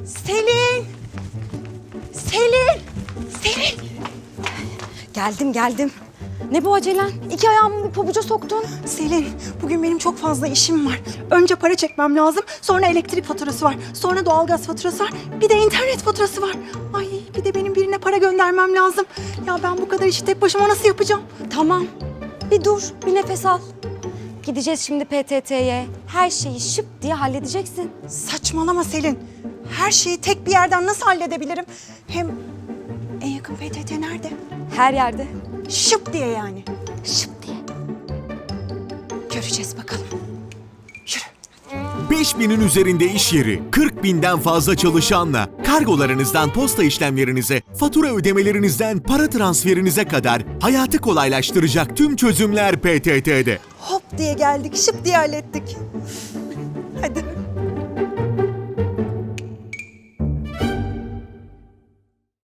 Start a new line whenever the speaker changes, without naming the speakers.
Selin! Selin! Selin!
Geldim. Ne bu acelen? 2 ayağımı bir pabuca soktun.
Selin, bugün benim çok fazla işim var. Önce para çekmem lazım, sonra elektrik faturası var, sonra doğalgaz faturası var, bir de internet faturası var. Ay, bir de benim birine para göndermem lazım. Ya ben bu kadar işi tek başıma nasıl yapacağım?
Tamam. Bir dur, bir nefes al. Gideceğiz şimdi PTT'ye. Her şeyi şıp diye halledeceksin.
Saçmalama Selin. Her şeyi tek bir yerden nasıl halledebilirim? Hem en yakın PTT nerede?
Her yerde.
Şıp diye yani.
Şıp diye.
Göreceğiz bakalım. Yürü.
5000'in üzerinde iş yeri, 40.000'den fazla çalışanla kargolarınızdan posta işlemlerinize, fatura ödemelerinizden para transferinize kadar hayatı kolaylaştıracak tüm çözümler PTT'de.
Hop diye geldik, şıp diye hallettik. Hadi.